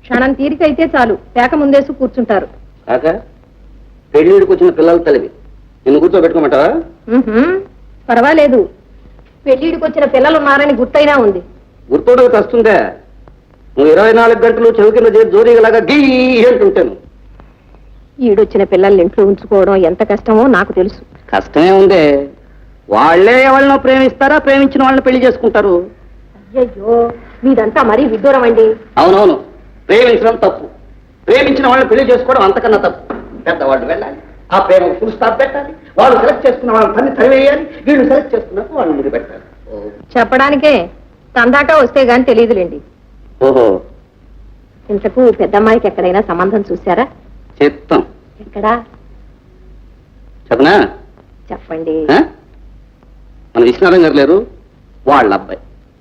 క్షణం తీరికైతే చాలు పేక ముందేసి కూర్చుంటారు. కాక పెళ్లిడికి వచ్చిన పిల్లల తల్లివి, నిన్ను కూర్చోబెట్టుకోమంటావా? పర్వాలేదు, పెళ్లిడికి వచ్చిన పిల్లలు ఉన్నారని గుర్తైనా ఉంది. గుర్తోడకి వస్తుందే, నువ్వు 24 గంటలు చెవి కింద చేసి జోరీగలాగా గీ అంటుంటాను. ఈడొచ్చిన పిల్లల్ని ఇంట్లో ఉంచుకోవడం ఎంత కష్టమో నాకు తెలుసు. కష్టమే ఉందే, వాళ్లే ఎవరినో ప్రేమిస్తారా, ప్రేమించిన వాళ్ళని పెళ్లి చేసుకుంటారు. అయ్యో, మీదంతా మరీ విడ్డూరం అండి. అవునవును, ప్రేమించడం తప్పు, ప్రేమించిన వాళ్ళని పెళ్లి చేసుకోవడం అంతకన్నా తప్పు. పెద్దవాళ్ళు వెళ్ళాలి, ఆ ప్రేమ ఫుల్ స్టాప్ పెట్టాలి, వాళ్ళు సెలెక్ట్ చేసుకున్న వాళ్ళని తన్ని తరివేయాలి, వీళ్ళు సెలెక్ట్ చేసుకున్నట్టు వాళ్ళు ముందు పెట్టాలి. చెప్పడానికే తందాట వస్తే గాని తెలియదులేండి. ఓహో, ఇంతకు పెద్దమ్మాయికి ఎక్కడైనా సంబంధం చూశారా? చెప్తాం. ఎక్కడా చెప్పనా? చెప్పండి. మన విశ్వనాథం గారు లేరు, వాళ్ళ అబ్బాయి.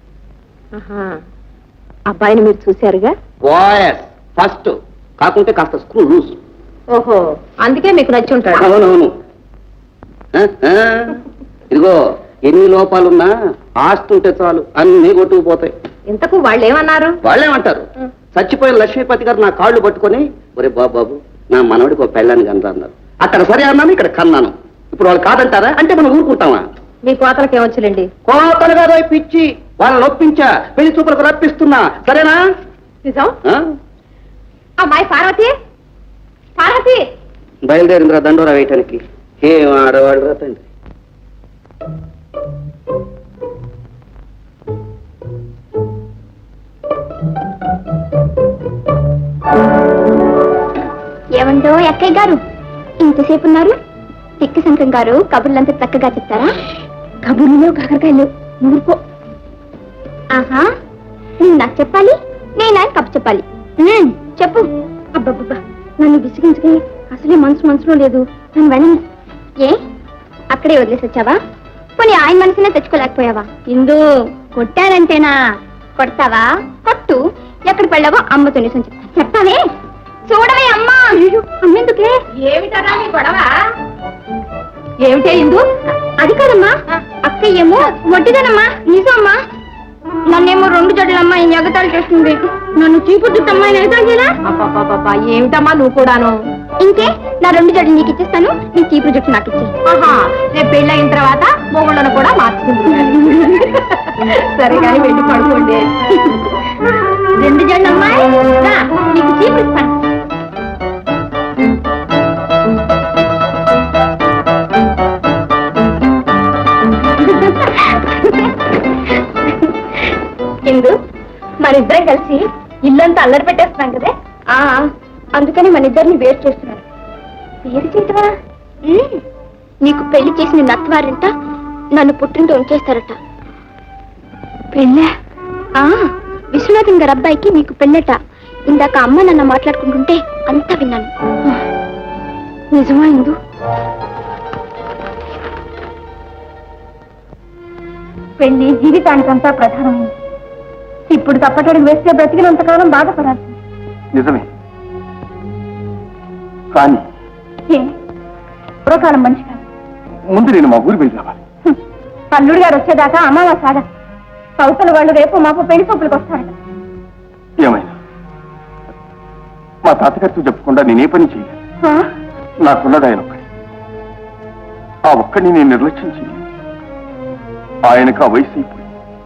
అబ్బాయిని మీరు చూశారుగా? వాయస్ ఫస్ట్, కాకుంటే కాస్త స్క్రూ లూజ్. ఓహో, అందుకే మీకు నచ్చి ఉంటాడు. అవునవును. ఇదిగో, ఎన్ని లోపాలున్నా ఆస్తి ఉంటే చాలు, అన్ని కొట్టుకుపోతాయి. ఇంతకు వాళ్ళు ఏమన్నారు? వాళ్ళేమంటారు, చచ్చిపోయిన లక్ష్మీపతి గారు నా కాళ్ళు పట్టుకొని, ఒరే బాబు నా మనవడికి ఒక పెళ్ళాన్ని కన్నా అన్నారు. అక్కడ సరే అన్నాను, ఇక్కడ కన్నాను. ఇప్పుడు వాళ్ళు కాదంటారా అంటే మనం ఊరుకుంటామా? మీ కోతలకి ఏమొచ్చులేండి. కోతలు కాదు, పిచ్చి, వాళ్ళని నొప్పించా, పెళ్లి చూపులకు రప్పిస్తున్నా. సరేనా? నిజం. అమ్మాయి పార్వతి, పార్వతి బయలుదేరిందిరా దండోరా వేయటానికి. ఏం ఆడవాళ్ళు రా తండ్రి. ఏమంటో అక్కయ్య గారు, ఇంతసేపు ఉన్నారు? తిక్క శంకరం గారు కబుర్లంతా చక్కగా చెప్తారా? కబుర్లో కాకరకాయలు ఊరుకో. ఆహా, నువ్వు నాకు చెప్పాలి, నేను ఆయన కబు చెప్పాలి. చెప్పు. అబ్బబ్బబ్బా, నన్ను విసిగించుకి అసలే మనసులో లేదు. నన్ను వెళ్ళను. ఏ అక్కడే వదిలేసి వచ్చావా? పోనీ ఆయన మనసునే తెచ్చుకోలేకపోయావా? ఇందు కొట్టారంటేనా? కొడతావా? కొట్టు. ఎక్కడ పడ్డావో అమ్మతో నిజం చెప్తావే. చూడవే అమ్మా. అమ్మెందుకే? ఏమిటరా మీ గొడవ? ఏమిటే ఇందు? అది కాదమ్మా, అక్కయ్యేమో వడ్డీదనమ్మా. నిజమ్మా, నన్నేమో 2 జడలమ్మా ఈ ఎగతాలు చేస్తుంది. నన్ను చీపు చుట్టమ్మా ఎగతాలు చేయరా? ఏమిటమ్మా నువ్వు కూడాను? ఇంకే, నా 2 జడలు నీకు ఇచ్చేస్తాను, నీ చీపు జుట్టు నాకు ఇచ్చే. రేపు పెళ్ళయిన తర్వాత మొగుళ్ళను కూడా మార్చుకుంటున్నాను. సరే కానీ వెళ్ళి పడుకోండి. 2 జడలమ్మా, నీకు చీపు ఇస్తాను. ఇందు, మనిద్దరం కలిసి ఇల్లంతా అల్లరి పెట్టేస్తున్నాం కదే. అందుకని మనిద్దరిని వేరు చేస్తున్నాను. వేరు చేయటమా? నీకు పెళ్లి చేసిన నత్వారంట నన్ను పుట్టింటూ ఉంచేస్తారట. పెళ్ళా? విశ్వనాథం గారి అబ్బాయికి నీకు పెళ్ళట. ఇందాక అమ్మ నన్ను మాట్లాడుకుంటుంటే అంతా విన్నాను. నిజమా ఇందు? పెళ్లి జీవితానికంతా ప్రధానమైంది. ఇప్పుడు తప్పటడుగు వేస్తే బ్రతికినంతకాలం బాధపడాలి. నిజమే, కానీ పూర్వకాలం మనిషి కాదు. ముందు నేను మా ఊరు వెళ్ళి రావాలి. అల్లుడు గారు వచ్చేదాకా అమావాస సాగా సౌతల వాళ్ళు రేపు మాపు పెళ్లి చూపులకు వస్తారట. ఏమైనా మా తాతగారితో చెప్పకుండా నేనే పని చేయలేదు. నాకున్నది ఆయన ఒక్కడి. ఆ ఒక్కడిని నేను నిర్లక్ష్యం చేయలేదు. ఆయనకు ఆ వయసు అయిపోయింది.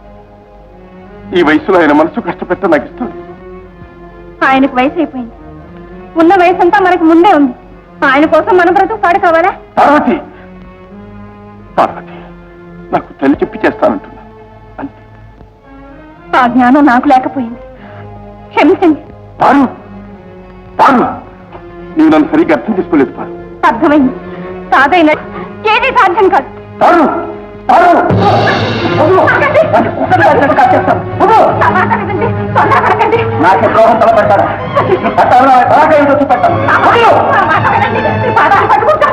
ఈ వయసులో ఆయన మనసు కష్టపెట్ట నాకు ఇష్టం. ఆయనకు వయసు అయిపోయింది, ఉన్న వయసు అంతా మనకు ముందే ఉంది. ఆయన కోసం మన బ్రతుకు పాడు కావాలా? పార్వతి, పార్వతి, నాకు తల్లి చెప్పి చేస్తానంటున్నా అంతే. ఆ జ్ఞానం నాకు లేకపోయింది, క్షమించండి. పారు, పారు, నీవు నన్ను సరిగ్గా అర్థం చేసుకోలేదు. పారు, అర్థమైంది. సాధైన ఏది సాధ్యం కాదు. పారు, పారు, నాకే ద్రోహం తలపెట్టారా? చూపెట్టాను.